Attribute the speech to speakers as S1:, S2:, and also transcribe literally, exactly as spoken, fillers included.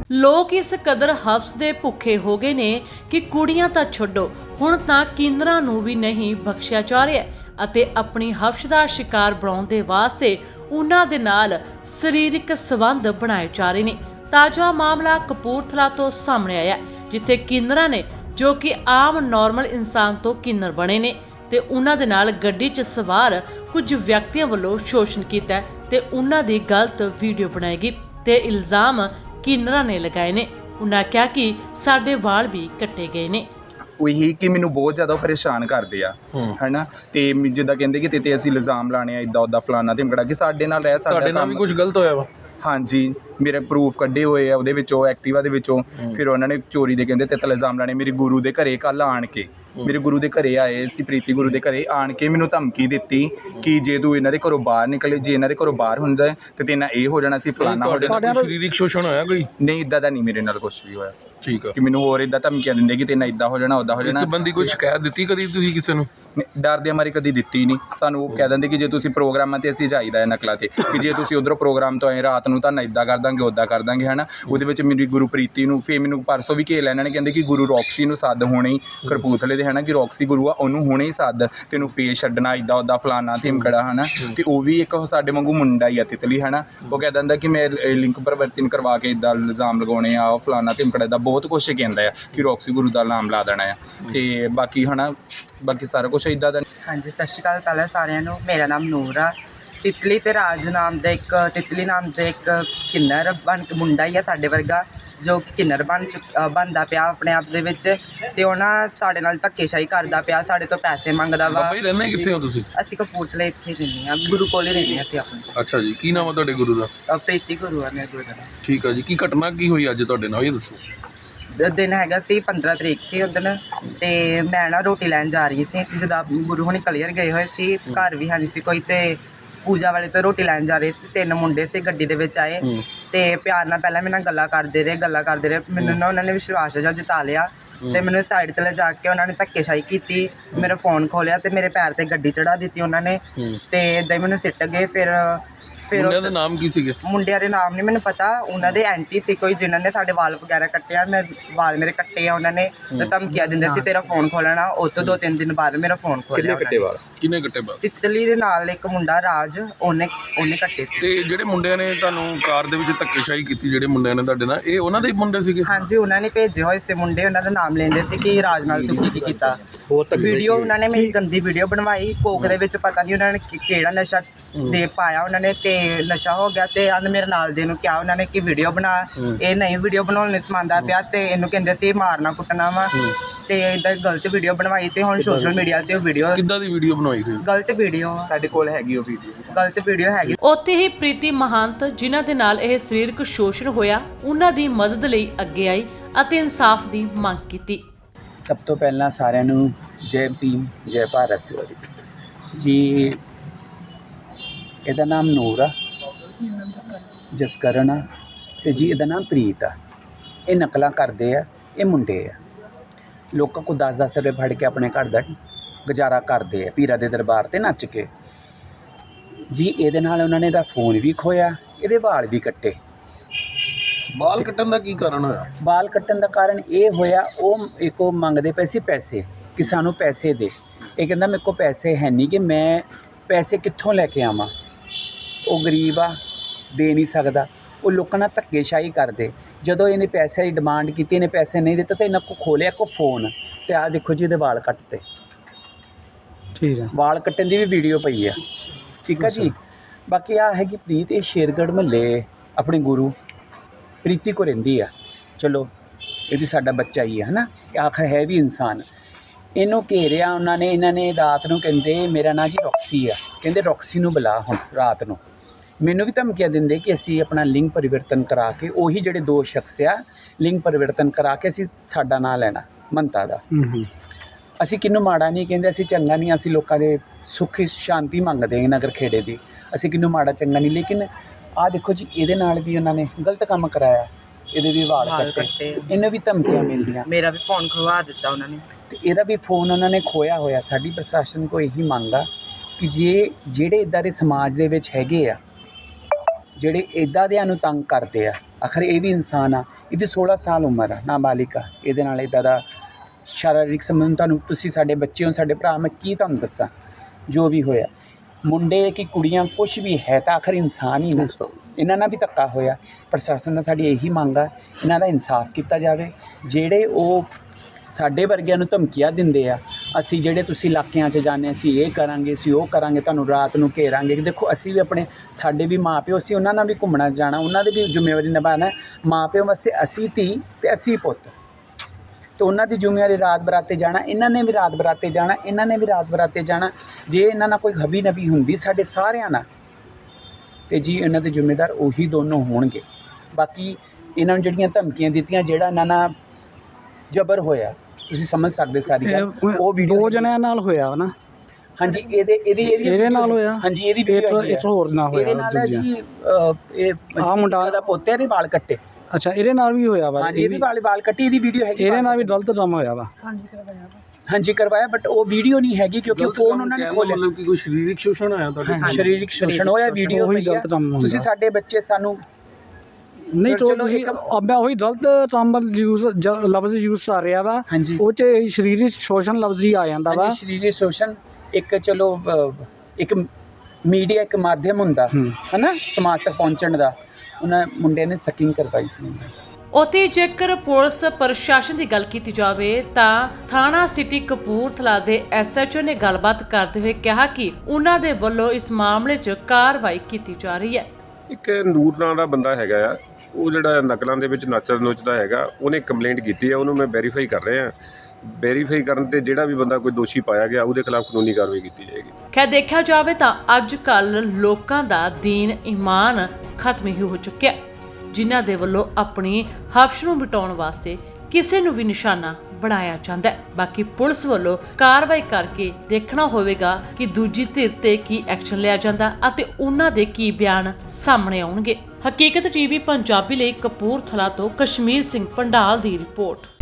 S1: ਲੋਕ ਇਸ ਕਦਰ ਹਵਸ ਦੇ ਭੁੱਖੇ ਹੋ ਗਏ ਨੇ ਕਿ ਕੁੜੀਆਂ ਤਾਂ ਛੱਡੋ, ਹੁਣ ਤਾਂ ਕਿੰਨਰਾਂ ਨੂੰ ਵੀ ਨਹੀਂ ਬਖਸ਼ਿਆ ਜਾ ਰਿਹਾ ਅਤੇ ਆਪਣੀ ਹਵਸ ਦਾ ਸ਼ਿਕਾਰ ਬਣਾਉਣ ਦੇ ਵਾਸਤੇ ਉਹਨਾਂ ਦੇ ਨਾਲ ਸਰੀਰਕ ਸੰਬੰਧ ਬਣਾਏ ਜਾ ਰਹੇ ਨੇ। ਤਾਜ਼ਾ ਮਾਮਲਾ ਕਪੂਰਥਲਾ ਤੋਂ ਸਾਹਮਣੇ ਆਇਆ, ਜਿੱਥੇ ਕਿੰਨਰਾਂ ਨੇ ਜੋ ਕਿ ਆਮ ਨਾਰਮਲ ਇਨਸਾਨ ਤੋਂ ਕਿੰਨਰ ਬਣੇ ਨੇ ਤੇ ਉਹਨਾਂ ਦੇ ਨਾਲ ਗੱਡੀ 'ਚ ਸਵਾਰ ਕੁਝ ਵਿਅਕਤੀਆਂ ਵੱਲੋਂ ਸ਼ੋਸ਼ਣ ਕੀਤਾ ਤੇ ਉਹਨਾਂ ਦੀ ਗਲਤ ਵੀਡੀਓ ਬਣਾਈ ਗਈ ਤੇ ਇਲਜ਼ਾਮ ਕਿੰਨਰਾਂ ਨੇ ਲਗਾਏ ਨੇ। ਉਹਨਾਂ ਕਿਹਾ ਕਿ ਸਾਡੇ ਵਾਲ ਵੀ ਕੱਟੇ ਗਏ ਨੇ।
S2: ਉਹੀ ਕਿ ਮੈਨੂੰ ਬਹੁਤ ਜ਼ਿਆਦਾ ਪਰੇਸ਼ਾਨ ਕਰਦੇ ਆ ਹੈ ਨਾ, ਤੇ ਜਿੱਦਾਂ ਕਹਿੰਦੇ ਕਿ ਤੇ ਅਸੀਂ ਇਲਜ਼ਾਮ ਲਾਣੇ ਆ ਇੱਦਾਂ ਉੱਦਾਂ ਫਲਾਨਾ ਧਿਮਕੜਾ ਕਿ ਸਾਡੇ ਨਾਲ ਰਹਿ
S3: ਤੁਹਾਡੇ ਨਾਲ ਵੀ ਕੁਝ ਗਲਤ ਹੋਇਆ ਵਾ।
S2: ਹਾਂਜੀ, ਮੇਰੇ ਪ੍ਰੂਫ ਕੱਢੇ ਹੋਏ ਆ ਉਹਦੇ ਵਿੱਚੋਂ, ਐਕਟਿਵਾ ਦੇ ਵਿੱਚੋਂ। ਫਿਰ ਉਹਨਾਂ ਨੇ ਚੋਰੀ ਦੇ ਕਹਿੰਦੇ ਤੇ ਇਲਜ਼ਾਮ ਲਾਣੇ ਮੇਰੇ ਗੁਰੂ ਦੇ ਘਰੇ ਕੱਲ੍ਹ ਆਣ ਕੇ, ਮੇਰੇ ਗੁਰੂ ਦੇ ਘਰੇ ਆਏ ਸੀ, ਪ੍ਰੀਤੀ ਗੁਰੂ ਦੇ ਘਰੇ ਆਣ ਕੇ ਮੈਨੂੰ ਧਮਕੀ ਦਿੱਤੀ ਕਿ ਜੇ ਤੂੰ ਇਹਨਾਂ ਦੇ ਘਰੋਂ ਬਾਹਰ ਨਿਕਲੇ, ਜੇ ਇਹਨਾਂ ਦੇ ਘਰੋਂ ਬਾਹਰ ਹੁੰਦਾ ਤੇ ਤੇਨਾਂ ਇਹ ਹੋ ਜਾਣਾ ਸੀ, ਫਲਾਨਾ ਹੋ ਜਾਣਾ।
S3: ਸਰੀਰਕ ਸ਼ੋਸ਼ਣ ਹੋਇਆ ਕੋਈ?
S2: ਨਹੀਂ, ਇੱਦਾਂ ਦਾ ਨਹੀਂ ਮੇਰੇ ਨਾਲ ਕੁਛ ਵੀ ਹੋਇਆ।
S3: ਠੀਕ ਆ।
S2: ਕਿ ਮੈਨੂੰ ਹੋਰ ਇੱਦਾਂ ਧਮਕੀਆਂ ਦਿੰਦੇ ਕਿ ਤੇਨਾਂ ਇੱਦਾਂ ਹੋ ਜਾਣਾ, ਉੱਦਾਂ ਹੋ ਜਾਣਾ।
S3: ਇਸ ਸੰਬੰਧੀ ਕੋਈ ਸ਼ਿਕਾਇਤ ਦਿੱਤੀ ਕਦੀ ਤੁਸੀਂ ਕਿਸੇ ਨੂੰ?
S2: ਡਰਦੇ ਮਾਰੀ ਕਦੀ ਦਿੱਤੀ ਨਹੀਂ। ਸਾਨੂੰ ਉਹ ਕਹਿ ਦਿੰਦੇ ਕਿ ਜੇ ਤੁਸੀਂ ਪ੍ਰੋਗਰਾਮਾਂ 'ਤੇ ਅਸੀਂ ਜਾਈਦਾ ਹੈ ਨਕਲਾਂ 'ਤੇ, ਕਿ ਜੇ ਤੁਸੀਂ ਉੱਧਰੋਂ ਪ੍ਰੋਗਰਾਮ ਤੋਂ ਆਏ ਰਾਤ ਨੂੰ ਤੁਹਾਨੂੰ ਇੱਦਾਂ ਕਰ ਦਾਂਗੇ, ਉੱਦਾਂ ਕਰ ਦਾਂਗੇ ਹੈ ਨਾ। ਉਹਦੇ ਵਿੱਚ ਮੇਰੀ ਗੁਰੂ ਪ੍ਰੀਤੀ ਨੂੰ, ਫਿਰ ਮੈਨੂੰ ਪਰਸੋਂ ਵੀ ਘੇਲ ਇਹਨਾਂ ਨੇ, ਕਹਿੰਦੇ ਕਿ ਗੁਰੂ ਰੌਕਸੀ ਨੂੰ ਸੱਦ ਹੁਣੇ ਹੀ, ਕਰਪੂਥਲੇ ਦੇ ਹੈ ਨਾ, ਕਿ ਰੌਕਸੀ ਗੁਰੂ ਆ ਉਹਨੂੰ ਹੁਣੇ ਹੀ ਸੱਦ, ਤੈਨੂੰ ਫੇਸ ਛੱਡਣਾ ਇੱਦਾਂ ਉੱਦਾਂ ਫਲਾਨਾ ਧਿਮਕੜਾ ਹੈ ਨਾ। ਅਤੇ ਉਹ ਵੀ ਇੱਕ ਸਾਡੇ ਵਾਂਗੂ ਮੁੰਡਾ ਹੀ ਆ ਤਿਤਲੀ ਹੈ ਨਾ। ਉਹ ਕਹਿ ਦਿੰਦਾ ਕਿ ਮੈਂ ਲਿੰਕ ਪਰਿਵਰਤਨ ਕਰਵਾ ਕੇ ਇੱਦਾਂ ਇਲਜ਼ਾਮ ਲਗਾਉਣੇ ਆ, ਉਹ ਫਲਾਨਾ ਧਿਮਕੜਾ ਦਾ ਬਹੁਤ ਕੁਛ ਕਹਿੰਦਾ ਆ ਕਿ ਰੌਕਸੀ ਗੁਰੂ ਦਾ ਨਾਮ ਲਾ ਦੇਣਾ ਆ। ਅਤੇ ਬਾਕੀ ਹੈ ਨਾ, ਬਾਕੀ ਸਾਰਾ ਕੁਛ ਇੱਦਾਂ ਦਾ।
S4: ਹਾਂਜੀ, ਸਤਿ ਸ਼੍ਰੀ ਅਕਾਲ ਪਹਿਲਾਂ ਸਾਰਿਆਂ ਨੂੰ। ਮੇਰਾ ਨਾਮ ਨੂਰ ਆ। ਤਿਤਲੀ ਤੇ ਰਾਜ ਨਾਮ ਦਾ ਇੱਕ ਤਿਤਲੀ ਨਾਮ ਦਾ ਇੱਕ ਕਿੰਨਰ ਬਣ ਕੇ ਮੁੰਡਾ ਹੀ ਆ ਸਾਡੇ ਵਰਗਾ, ਜੋ ਕਿ ਕਿੰਨਰ ਬਣ ਚੁੱਕ ਬਣਦਾ ਪਿਆ ਆਪਣੇ ਆਪ ਦੇ ਵਿੱਚ। ਅਤੇ ਉਹ ਨਾ ਸਾਡੇ ਨਾਲ ਧੱਕੇਸ਼ਾਹੀ ਕਰਦਾ ਪਿਆ, ਸਾਡੇ ਤੋਂ ਪੈਸੇ ਮੰਗਦਾ ਵਾ।
S3: ਬਾਬਾ ਜੀ ਰਹਿੰਦੇ ਕਿੱਥੇ ਹੋ ਤੁਸੀਂ?
S4: ਅਸੀਂ ਕਪੂਰਥਲੇ ਇੱਥੇ ਰਹਿੰਦੇ ਹਾਂ, ਗੁਰੂ ਕੋਲ ਹੀ ਰਹਿੰਦੇ ਹਾਂ ਇੱਥੇ ਆਪਣੇ।
S3: ਅੱਛਾ ਜੀ, ਕੀ ਨਾਮ ਆ ਤੁਹਾਡੇ ਗੁਰੂ ਦਾ?
S4: ਅ, ਪ੍ਰੀਤੀ ਗੁਰੂ ਆ ਮੇਰੇ ਗੁਰੂ ਦਾ ਨਾਮ।
S3: ਠੀਕ ਆ ਜੀ, ਕੀ ਘਟਨਾ ਕੀ ਹੋਈ ਅੱਜ ਤੁਹਾਡੇ ਨਾਲ ਇਹ ਦੱਸੋ।
S4: ਦਿਨ ਹੈਗਾ ਸੀ ਪੰਦਰਾਂ ਤਰੀਕ ਸੀ ਉਸ ਦਿਨ, ਅਤੇ ਮੈਂ ਨਾ ਰੋਟੀ ਲੈਣ ਜਾ ਰਹੀ ਸੀ। ਜਦੋਂ ਗੁਰੂ ਹੁਣੀ ਕਲੀਅਰ ਗਏ ਹੋਏ ਸੀ, ਘਰ ਵੀ ਹੈ ਨਹੀਂ ਸੀ ਕੋਈ, ਅਤੇ ਪੂਜਾ ਵਾਲੇ ਤੋਂ ਰੋਟੀ ਲੈਣ ਜਾ ਰਹੇ ਸੀ। ਤਿੰਨ ਮੁੰਡੇ ਸੀ ਗੱਡੀ ਦੇ ਵਿੱਚ ਆਏ ਅਤੇ ਪਿਆਰ ਨਾਲ ਪਹਿਲਾਂ ਮੇਰੇ ਨਾਲ ਗੱਲਾਂ ਕਰਦੇ ਰਹੇ ਗੱਲਾਂ ਕਰਦੇ ਰਹੇ ਮੈਨੂੰ ਨਾ ਉਹਨਾਂ ਨੇ ਵਿਸ਼ਵਾਸ ਜਿਹਾ ਜਤਾ ਲਿਆ ਅਤੇ ਮੈਨੂੰ ਸਾਈਡ 'ਤੇ ਲਿਜਾ ਕੇ ਉਹਨਾਂ ਨੇ ਧੱਕੇਸ਼ਾਹੀ ਕੀਤੀ। ਮੇਰਾ ਫੋਨ ਖੋਲ੍ਹਿਆ ਅਤੇ ਮੇਰੇ ਪੈਰ 'ਤੇ ਗੱਡੀ ਚੜ੍ਹਾ ਦਿੱਤੀ ਉਹਨਾਂ ਨੇ, ਅਤੇ ਇੱਦਾਂ ਹੀ ਮੈਨੂੰ ਸਿੱਟ ਗਏ। ਫਿਰ ਫਿਰ
S3: ਮੁੰਡਿਆਂ ਦੇ ਨਾਮ ਕੀ ਸੀਗੇ?
S4: ਮੁੰਡਿਆਂ ਦੇ ਨਾਮ ਨਹੀਂ ਮੈਨੂੰ ਪਤਾ। ਉਹਨਾਂ ਦੇ ਐਂਟੀ ਸੀ ਕੋਈ, ਜਿਨ੍ਹਾਂ ਨੇ ਸਾਡੇ ਵਾਲ ਵਗੈਰਾ ਕੱਟੇ ਆ। ਮੈਂ ਵਾਲ ਮੇਰੇ ਕੱਟੇ ਆ ਉਹਨਾਂ ਨੇ, ਤੇ ਧਮਕੀਆਂ ਦਿੰਦੇ ਸੀ ਤੇਰਾ ਫੋਨ ਖੋਲ੍ਹਣਾ। ਉਹ ਤੋਂ ਦੋ ਤਿੰਨ ਦਿਨ ਬਾਅਦ ਮੇਰਾ ਫੋਨ ਖੋਲ੍ਹਿਆ।
S2: ਕਿੰਨੇ ਕੱਟੇ ਵਾਲ?
S3: ਕਿੰਨੇ ਕੱਟੇ ਵਾਲ?
S4: ਤਿਤਲੀ ਦੇ ਨਾਲ ਇੱਕ ਮੁੰਡਾ ਰਾਜ, ਉਹਨੇ ਉਹਨੇ ਕੱਟੇ ਸੀ।
S3: ਤੇ ਜਿਹੜੇ ਮੁੰਡਿਆਂ ਨੇ ਤੁਹਾਨੂੰ ਕਾਰ ਦੇ ਵਿੱਚ ਧੱਕੇਸ਼ਾਹੀ ਕੀਤੀ, ਜਿਹੜੇ ਮੁੰਡਿਆਂ ਨੇ ਤੁਹਾਡੇ ਨਾਲ, ਇਹ ਉਹਨਾਂ ਦੇ ਹੀ ਮੁੰਡੇ ਸੀਗੇ?
S4: ਹਾਂਜੀ, ਉਹਨਾਂ ਨੇ ਭੇਜੇ ਹੋਏ ਸੀ ਮੁੰਡੇ, ਉਹਨਾਂ ਦਾ ਨਾਮ ਲੈਂਦੇ ਸੀ ਕਿ ਰਾਜ ਨਾਲ ਤੂੰ ਕੀ ਕੀ ਕੀਤਾ। ਵੀਡੀਓ ਉਹਨਾਂ ਨੇ ਮੇਰੀ ਗੰਦੀ ਵੀਡੀਓ ਬਣਵਾਈ। ਕੋਕ ਦੇ ਵਿੱਚ ਪਤਾ ਨਹੀਂ ਉਹਨਾਂ ਨੇ ਕਿਹੜਾ ਨਸ਼ਾ ਦੇ ਪਾਇਆ ਉਹਨਾਂ ਨੇ, ਤੇ ਨਸ਼ਾ ਹੋ ਗਿਆ। ਤੇ ਅਨ ਮੇਰੇ ਨਾਲ ਦੇ ਨੂੰ ਕਿਹਾ ਉਹਨਾਂ ਨੇ ਕਿ ਵੀਡੀਓ ਬਣਾ, ਇਹ ਨਹੀਂ ਵੀਡੀਓ ਬਣਾਉਣ ਲਈ ਸਮਾਂਦਾ ਪਿਆ, ਤੇ ਇਹਨੂੰ ਕਹਿੰਦੇ ਸੀ ਮਾਰਨਾ ਕੁੱਟਣਾ ਵਾ, ਤੇ ਇਦਾਂ ਗਲਤ ਵੀਡੀਓ ਬਣਵਾਈ। ਤੇ ਹੁਣ ਸੋਸ਼ਲ ਮੀਡੀਆ ਤੇ ਉਹ ਵੀਡੀਓ,
S3: ਕਿੱਦਾਂ ਦੀ ਵੀਡੀਓ ਬਣਵਾਈ ਹੋਈ?
S4: ਗਲਤ ਵੀਡੀਓ
S2: ਸਾਡੇ ਕੋਲ ਹੈਗੀ ਉਹ ਵੀਡੀਓ,
S4: ਗਲਤ ਵੀਡੀਓ ਹੈਗੀ।
S1: ਉੱਥੇ ਹੀ ਪ੍ਰੀਤੀ ਮਹੰਤ, ਜਿਨ੍ਹਾਂ ਦੇ ਨਾਲ ਇਹ ਸਰੀਰਕ ਸ਼ੋਸ਼ਣ ਹੋਇਆ, ਉਹਨਾਂ ਦੀ ਮਦਦ ਲਈ ਅੱਗੇ ਆਈ ਅਤੇ ਇਨਸਾਫ ਦੀ ਮੰਗ ਕੀਤੀ।
S5: ਸਭ ਤੋਂ ਪਹਿਲਾਂ ਸਾਰਿਆਂ ਨੂੰ ਜੈ ਭੀਮ, ਜੈ ਭਾਰਤ ਜੀ। ਇਹਦਾ ਨਾਮ ਨੂਰ ਆ, ਜਸਕਰਨ ਆ, ਅਤੇ ਜੀ ਇਹਦਾ ਨਾਮ ਪ੍ਰੀਤ ਆ। ਇਹ ਨਕਲਾਂ ਕਰਦੇ ਆ, ਇਹ ਮੁੰਡੇ ਆ। ਲੋਕਾਂ ਕੋਲ ਦਸ ਦਸ ਰੁਪਏ ਫੜ ਕੇ ਆਪਣੇ ਘਰ ਦਾ ਗੁਜ਼ਾਰਾ ਕਰਦੇ ਆ ਪੀਰਾਂ ਦੇ ਦਰਬਾਰ 'ਤੇ ਨੱਚ ਕੇ ਜੀ। ਇਹਦੇ ਨਾਲ ਉਹਨਾਂ ਨੇ ਇਹਦਾ ਫੋਨ ਵੀ ਖੋਇਆ, ਇਹਦੇ ਵਾਲ ਵੀ ਕੱਟੇ।
S3: ਬਾਲ ਕੱਟਣ ਦਾ ਕੀ ਕਾਰਨ ਹੋਇਆ?
S5: ਬਾਲ ਕੱਟਣ ਦਾ ਕਾਰਨ ਇਹ ਹੋਇਆ, ਉਹ ਇੱਕ ਉਹ ਮੰਗਦੇ ਪਏ ਸੀ ਪੈਸੇ ਕਿ ਸਾਨੂੰ ਪੈਸੇ ਦੇ। ਇਹ ਕਹਿੰਦਾ ਮੇਰੇ ਕੋਲ ਪੈਸੇ ਹੈ ਨਹੀਂ, ਕਿ ਮੈਂ ਪੈਸੇ ਕਿੱਥੋਂ ਲੈ ਕੇ ਆਵਾਂ। ਉਹ ਗਰੀਬ ਆ, ਦੇ ਨਹੀਂ ਸਕਦਾ। ਉਹ ਲੋਕਾਂ ਨਾਲ ਧੱਕੇਸ਼ਾਹੀ ਕਰਦੇ। ਜਦੋਂ ਇਹਨੇ ਪੈਸੇ ਦੀ ਡਿਮਾਂਡ ਕੀਤੀ, ਇਹਨੇ ਪੈਸੇ ਨਹੀਂ ਦਿੱਤੇ, ਤਾਂ ਇਹਨਾਂ ਕੋਲ ਖੋਲ੍ਹਿਆ ਕੋ ਫੋਨ, ਅਤੇ ਆਹ ਦੇਖੋ ਜੀ ਇਹਦੇ ਵਾਲ ਕੱਟਤੇ। ਠੀਕ ਆ, ਵਾਲ ਕੱਟਣ ਦੀ ਵੀ ਵੀਡੀਓ ਪਈ ਆ। ਠੀਕ ਆ ਜੀ। ਬਾਕੀ ਆਹ ਹੈ ਕਿ ਪ੍ਰੀਤ ਇਹ ਸ਼ੇਰਗੜ੍ਹ ਮਹੱਲੇ ਆਪਣੇ ਗੁਰੂ ਪ੍ਰੀਤੀ ਕੋ ਰਹਿੰਦੀ ਆ। ਚਲੋ ਇਹ ਵੀ ਸਾਡਾ ਬੱਚਾ ਹੀ ਆ, ਹੈ ਨਾ, ਆਖਰ ਹੈ ਵੀ ਇਨਸਾਨ। ਇਹਨੂੰ ਘੇਰਿਆ ਉਹਨਾਂ ਨੇ। ਇਹਨਾਂ ਨੇ ਰਾਤ ਨੂੰ ਕਹਿੰਦੇ ਮੇਰਾ ਨਾਂ ਜੀ ਰੌਕਸੀ ਆ, ਕਹਿੰਦੇ ਰੌਕਸੀ ਨੂੰ ਬੁਲਾ ਹੁਣ ਰਾਤ ਨੂੰ। ਮੈਨੂੰ ਵੀ ਧਮਕੀਆਂ ਦਿੰਦੇ ਕਿ ਅਸੀਂ ਆਪਣਾ ਲਿੰਗ ਪਰਿਵਰਤਨ ਕਰਾ ਕੇ, ਉਹੀ ਜਿਹੜੇ ਦੋ ਸ਼ਖਸ ਆ, ਲਿੰਗ ਪਰਿਵਰਤਨ ਕਰਾ ਕੇ ਅਸੀਂ ਸਾਡਾ ਨਾਂ ਲੈਣਾ ਮੰਤਾ ਦਾ। ਅਸੀਂ ਕਿਹਨੂੰ ਮਾੜਾ ਨਹੀਂ ਕਹਿੰਦੇ, ਅਸੀਂ ਚੰਗਾ ਨਹੀਂ, ਅਸੀਂ ਲੋਕਾਂ ਦੇ ਸੁੱਖ ਸ਼ਾਂਤੀ ਮੰਗਦੇ ਹਾਂ ਨਗਰ ਖੇੜੇ ਦੀ। ਅਸੀਂ ਕਿਹਨੂੰ ਮਾੜਾ ਚੰਗਾ ਨਹੀਂ। ਲੇਕਿਨ ਆਹ ਦੇਖੋ ਜੀ, ਇਹਦੇ ਨਾਲ ਵੀ ਉਹਨਾਂ ਨੇ ਗਲਤ ਕੰਮ ਕਰਾਇਆ, ਇਹਦੇ ਵੀ ਵਾਲ ਕੱਟੇ, ਇਹਨੂੰ ਵੀ ਧਮਕੀਆਂ ਮਿਲਦੀਆਂ।
S4: ਮੇਰਾ ਵੀ ਫੋਨ ਖਵਾ ਦਿੱਤਾ ਉਹਨਾਂ ਨੇ,
S5: ਅਤੇ ਇਹਦਾ ਵੀ ਫੋਨ ਉਹਨਾਂ ਨੇ ਖੋਇਆ ਹੋਇਆ। ਸਾਡੀ ਪ੍ਰਸ਼ਾਸਨ ਕੋਲ ਇਹੀ ਮੰਗ ਆ ਕਿ ਜੇ ਜਿਹੜੇ ਇੱਦਾਂ ਦੇ ਸਮਾਜ ਦੇ ਵਿੱਚ ਹੈਗੇ ਆ, ਜਿਹੜੇ ਇੱਦਾਂ ਦਿਆਂ ਨੂੰ ਤੰਗ ਕਰਦੇ ਆ। ਆਖਰ ਇਹ ਵੀ ਇਨਸਾਨ ਆ, ਇਹਦੀ ਸੋਲਾਂ ਸਾਲ ਉਮਰ ਆ, ਨਾਬਾਲਿਗ ਆ, ਇਹਦੇ ਨਾਲ ਇੱਦਾਂ ਦਾ ਸ਼ਾਰੀਰਿਕ ਸੰਬੰਧ, ਤੁਹਾਨੂੰ ਤੁਸੀਂ ਸਾਡੇ ਬੱਚੇ ਹੋ, ਸਾਡੇ ਭਰਾ, ਮੈਂ ਕੀ ਤੁਹਾਨੂੰ ਦੱਸਾਂ ਜੋ ਵੀ ਹੋਇਆ। ਮੁੰਡੇ ਕਿ ਕੁੜੀਆਂ ਕੁਛ ਵੀ ਹੈ ਤਾਂ ਆਖਰ ਇਨਸਾਨ ਹੀ ਨੇ। ਇਹਨਾਂ ਨਾਲ ਵੀ ਧੱਕਾ ਹੋਇਆ। ਪ੍ਰਸ਼ਾਸਨ ਨਾਲ ਸਾਡੀ ਇਹੀ ਮੰਗ ਆ, ਇਹਨਾਂ ਦਾ ਇਨਸਾਫ ਕੀਤਾ ਜਾਵੇ। ਜਿਹੜੇ ਉਹ ਸਾਡੇ ਵਰਗਿਆਂ ਨੂੰ ਧਮਕੀਆਂ ਦਿੰਦੇ ਆ, ਅਸੀਂ ਜਿਹੜੇ ਤੁਸੀਂ ਇਲਾਕਿਆਂ 'ਚ ਜਾਂਦੇ, ਅਸੀਂ ਇਹ ਕਰਾਂਗੇ, ਅਸੀਂ ਉਹ ਕਰਾਂਗੇ, ਤੁਹਾਨੂੰ ਰਾਤ ਨੂੰ ਘੇਰਾਂਗੇ। ਦੇਖੋ ਅਸੀਂ ਵੀ ਆਪਣੇ, ਸਾਡੇ ਵੀ ਮਾਂ ਪਿਓ, ਅਸੀਂ ਉਹਨਾਂ ਨਾਲ ਵੀ ਘੁੰਮਣਾ ਜਾਣਾ, ਉਹਨਾਂ ਦੀ ਵੀ ਜ਼ਿੰਮੇਵਾਰੀ ਨਿਭਾਉਣਾ। ਮਾਂ ਪਿਓ ਵਾਸਤੇ ਅਸੀਂ ਧੀ ਅਤੇ ਅਸੀਂ ਪੁੱਤ, ਅਤੇ ਉਹਨਾਂ ਦੀ ਜ਼ਿੰਮੇਵਾਰੀ ਰਾਤ ਬਰਾਤੇ ਜਾਣਾ। ਇਹਨਾਂ ਨੇ ਵੀ ਰਾਤ ਬਰਾਤੇ ਜਾਣਾ, ਇਹਨਾਂ ਨੇ ਵੀ ਰਾਤ ਬਰਾਤੇ ਜਾਣਾ। ਜੇ ਇਹਨਾਂ ਨਾਲ ਕੋਈ ਹਬੀ ਨਬੀ ਹੁੰਦੀ ਸਾਡੇ ਸਾਰਿਆਂ ਨਾਲ, ਅਤੇ ਜੀ ਇਹਨਾਂ ਦੇ ਜ਼ਿੰਮੇਦਾਰ ਉਹੀ ਦੋਨੋਂ ਹੋਣਗੇ। ਬਾਕੀ ਇਹਨਾਂ ਨੂੰ ਜਿਹੜੀਆਂ ਧਮਕੀਆਂ ਦਿੱਤੀਆਂ, ਜਿਹੜਾ ਇਹਨਾਂ ਨਾਲ ਜ਼ਬਰ ਹੋਇਆ, ਤੁਸੀਂ ਸਮਝ ਸਕਦੇ ਸਾਰੀ ਗੱਲ। ਉਹ ਵੀਡੀਓ
S6: ਦੋ ਜਣਿਆਂ ਨਾਲ ਹੋਇਆ ਨਾ।
S5: ਹਾਂਜੀ, ਇਹਦੇ ਇਹਦੀ ਇਹਦੀ
S6: ਇਹਦੇ ਨਾਲ ਹੋਇਆ?
S5: ਹਾਂਜੀ, ਇਹਦੀ
S6: ਇੱਕ
S5: ਵੀਡੀਓ ਹੈਗੀ ਆ।
S6: ਇੱਕ ਹੋਰ ਨਾਲ ਹੋਇਆ
S5: ਇਹਦੇ ਨਾਲ ਹੈ
S6: ਦੂਜਾ।
S5: ਜੀ ਅ, ਇਹ
S6: ਆਹ ਮੁੰਡਾ
S5: ਦਾ ਪੋਤੇ, ਇਹਦੇ ਵਾਲ ਕੱਟੇ।
S6: ਅੱਛਾ, ਇਹਦੇ ਨਾਲ ਵੀ ਹੋਇਆ ਵਾ?
S5: ਹਾਂਜੀ, ਇਹਦੀ ਵਾਲ ਵਾਲ ਕੱਟੀ, ਇਹਦੀ ਵੀਡੀਓ ਹੈਗੀ।
S6: ਇਹਦੇ ਨਾਲ ਵੀ ਗਲਤ ਡਰਾਮਾ ਹੋਇਆ ਵਾ?
S5: ਹਾਂਜੀ ਕਰਵਾਇਆ, ਬਟ ਉਹ ਵੀਡੀਓ ਨਹੀਂ ਹੈਗੀ ਕਿਉਂਕਿ ਫੋਨ ਉਹਨਾਂ ਨੇ ਖੋਲਿਆ।
S3: ਮਤਲਬ ਕਿ ਕੋਈ ਸਰੀਰਕ ਸ਼ੋਸ਼ਣ ਆਇਆ ਤੁਹਾਡੇ?
S5: ਸਰੀਰਕ ਸ਼ੋਸ਼ਣ ਹੋਇਆ, ਵੀਡੀਓ
S6: ਉਹੀ
S5: ਪਈ ਆ।
S6: ਗਲਤ ਡਰਾਮਾ ਹੁੰਦਾ।
S5: ਤੁਸੀਂ ਸਾਡੇ ਬੱਚੇ ਸਾਨੂੰ
S6: ਨਹੀਂ
S5: ਚਲੋ
S6: ਚਲੋ ਤੁਸੀਂ
S5: ਇੱਕ-
S6: ਮੈਂ ਉਹੀ ਗਲਤ ਡਰਾਮਾ ਯੂਜ਼ ਲਫ਼ਜ਼ ਯੂਜ਼ ਕਰ ਰਿਹਾ ਵਾ।
S5: ਹਾਂਜੀ।
S6: ਉਹ 'ਚ ਸਰੀਰਕ ਸ਼ੋਸ਼ਣ ਲਫ਼ਜ਼ ਹੀ ਆ ਜਾਂਦਾ ਵਾ।
S5: ਹਾਂਜੀ, ਸਰੀਰਕ ਸ਼ੋਸ਼ਣ ਇੱਕ ਚਲੋ ਅ, ਇੱਕ ਮੀਡੀਆ ਇੱਕ ਮਾਧਿਅਮ ਹੁੰਦਾ ਹੈ ਨਾ ਸਮਾਜ ਤੱਕ ਪਹੁੰਚਣ ਦਾ। ਉਹਨਾਂ ਮੁੰਡੇ ਨੇ ਸਕੀਮ ਕਰਵਾਈ ਸੀ।
S1: ਉੱਥੇ ਜੇਕਰ ਪੁਲਿਸ ਪ੍ਰਸ਼ਾਸਨ ਦੀ ਗੱਲ ਕੀਤੀ ਜਾਵੇ ਤਾਂ ਥਾਣਾ ਸਿਟੀ ਕਪੂਰਥਲਾ ਦੇ ਐਸ ਐਚ ਓ ਨੇ ਗੱਲਬਾਤ ਕਰਦੇ ਹੋਏ ਕਿਹਾ ਕਿ ਉਹਨਾਂ ਦੇ ਵੱਲੋਂ ਇਸ ਮਾਮਲੇ 'ਚ ਕਾਰਵਾਈ ਕੀਤੀ ਜਾ ਰਹੀ ਹੈ।
S7: ਇੱਕ ਨੂਰ ਨਾਂ ਦਾ ਬੰਦਾ ਹੈਗਾ ਆ, ਉਹ ਜਿਹੜਾ ਨਕਲਾਂ ਦੇ ਵਿੱਚ ਨੱਚਦਾ ਨੁੱਚਦਾ ਹੈਗਾ, ਉਹਨੇ ਕੰਪਲੇਂਟ ਕੀਤੀ ਹੈ। ਉਹਨੂੰ ਮੈਂ ਵੈਰੀਫਾਈ ਕਰ ਰਿਹਾ। ਵੈਰੀਫਾਈ ਕਰਨ ਤੇ ਜਿਹੜਾ ਵੀ ਬੰਦਾ ਕੋਈ ਦੋਸ਼ੀ ਪਾਇਆ ਗਿਆ ਉਹਦੇ ਖਿਲਾਫ ਕਾਨੂੰਨੀ ਕਾਰਵਾਈ ਕੀਤੀ ਜਾਏਗੀ।
S1: ਖੈਰ ਦੇਖਿਆ ਜਾਵੇ ਤਾਂ ਅੱਜ ਕੱਲ ਲੋਕਾਂ ਦਾ ਦੀਨ ਈਮਾਨ ਖਤਮ ਹੀ ਹੋ ਚੁੱਕਿਆ, ਜਿਨ੍ਹਾਂ ਦੇ ਵੱਲੋਂ ਆਪਣੀ ਹਬਸ਼ ਨੂੰ ਮਿਟਾਉਣ ਵਾਸਤੇ ਕਿਸੇ ਨੂੰ ਵੀ ਨਿਸ਼ਾਨਾ ਬਣਾਇਆ ਜਾਂਦਾ ਹੈ। ਬਾਕੀ ਪੁਲਿਸ ਵੱਲੋਂ ਕਾਰਵਾਈ ਕਰਕੇ ਦੇਖਣਾ ਹੋਵੇਗਾ ਕਿ ਦੂਜੀ ਧਿਰ ਤੇ ਕੀ ਐਕਸ਼ਨ ਲਿਆ ਜਾਂਦਾ ਅਤੇ ਉਹਨਾਂ ਦੇ ਕੀ ਬਿਆਨ ਸਾਹਮਣੇ ਆਉਣਗੇ। ਹਕੀਕਤ ਟੀਵੀ ਪੰਜਾਬੀ ਲਈ ਕਪੂਰਥਲਾ ਤੋਂ ਕਸ਼ਮੀਰ ਸਿੰਘ ਪੰਡਾਲ ਦੀ ਰਿਪੋਰਟ।